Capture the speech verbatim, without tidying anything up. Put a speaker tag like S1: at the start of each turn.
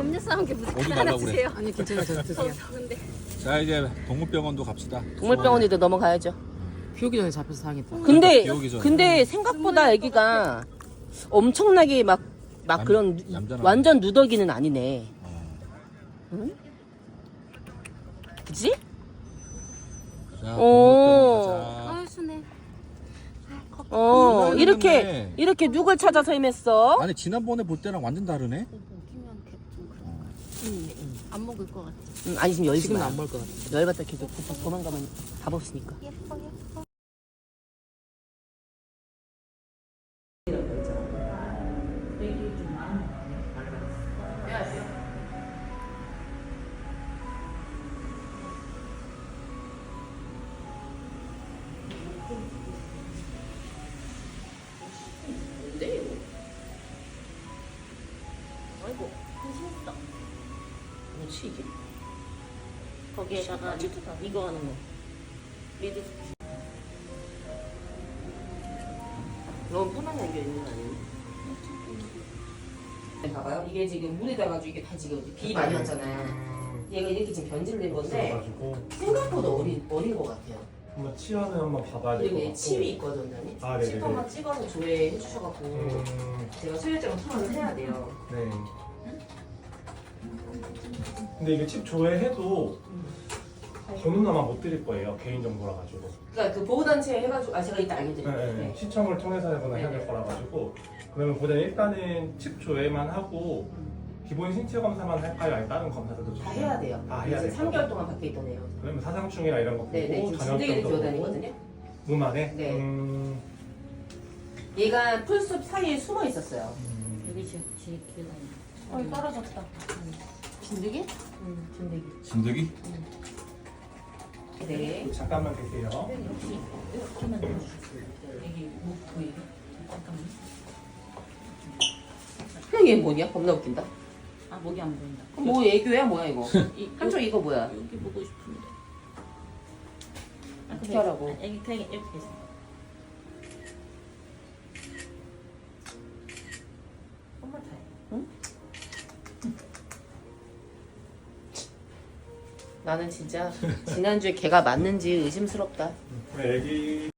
S1: 남녀싸움 게 무슨
S2: 어디
S1: 하나
S2: 가려고 그래?
S1: 주세요.
S3: 아니 괜찮아 저 드세요.
S1: 근데
S2: 자 이제 동물병원도 갑시다.
S4: 동물병원에도 넘어가야죠.
S3: 비 오기 전에 잡혀서 당했다.
S4: 근데
S2: 비 오기 전에.
S4: 근데 생각보다 애기가 엄청나게 막 막
S2: 얌-
S4: 그런
S2: 얌전하네.
S4: 완전 누더기는 아니네.
S2: 어.
S4: 응? 그치?
S2: 자
S4: 오.
S2: 동물병원 가자.
S1: 아 순해.
S4: 어
S2: 누더기
S4: 이렇게
S2: 때문에.
S4: 이렇게 누굴 찾아서 헤맸어?
S2: 아니 지난번에 볼 때랑 완전 다르네.
S1: 먹히면 좀 그런 거. 안 먹을 것 같아.
S4: 응, 아니 지금 열지
S3: 지금은
S4: 마.
S3: 안 먹을 것 같아.
S4: 열받다 계속 도- 도망가면 답 없으니까.
S1: 예뻐 예뻐.
S4: 아이고 한심했다. 뭐지 이게?
S1: 거기에다가
S4: 이거 하는 거. 미드. 너무 편하게 안겨 있는 거 아니니? 봐봐요. 이게 지금 물에 닿아가지고 이게 다 지금 비 많이 왔잖아요. 얘가 이렇게 지금 변질을 낸 건데
S5: 그래가지고
S4: 생각보다 어린 어린 것 같아요.
S5: 한번 치아는 한번 봐봐야 될
S4: 그리고
S5: 것
S4: 얘
S5: 같고.
S4: 침이 있거든요.
S5: 아, 네네네.
S4: 침 한번 찍어서 조회해 주셔갖고
S5: 음,
S4: 제가 소유증을 통화를 해야 돼요.
S5: 네. 근데 이게 칩 조회해도 번호나만 못 드릴 거예요. 개인 정보라 가지고.
S4: 그러니까 그 보호단체 해가지고 아 제가 이따 알려드릴게요.
S5: 네, 네. 시청을 통해서 하거나 해야 될 거라 가지고. 그러면 보다 일단은 칩 조회만 하고 기본 신체 검사만 할까요? 아니면 다른 검사들도 좀
S4: 다 해야 돼요.
S5: 다 해야
S4: 이제
S5: 돼요.
S4: 삼 개월 동안 밖에 있다네요.
S5: 그러면 사상충이나 이런 거 보고
S4: 네네. 지금 진드기를
S5: 전염병도 보고
S4: 기어다니거든요.
S5: 몸 안에.
S4: 네.
S5: 음,
S4: 얘가 풀숲 사이에 숨어 있었어요.
S5: 음,
S1: 여기 지금 제일 길다.
S4: 어 떨어졌다.
S1: 진드기?
S4: 응, 진드기.
S2: 진드기?
S4: 네.
S5: 잠깐만 계세요.
S1: 이렇게만 넣어주세요.
S4: 여기 목 보이게. 잠깐만. 형 얘 뭐냐? 겁나 웃긴다.
S1: 아 목이 안 보인다.
S4: 그럼 뭐 애교야 뭐야 이거?
S1: 이,
S4: 한쪽 이거 뭐야?
S1: 여기 보고 싶은데. 아,
S4: 어떻게 하라고?
S1: 여기 그냥 이렇게 있어.
S4: 엄마 다 해. 응? 나는 진짜 지난주에 걔가 맞는지 의심스럽다.
S5: 애기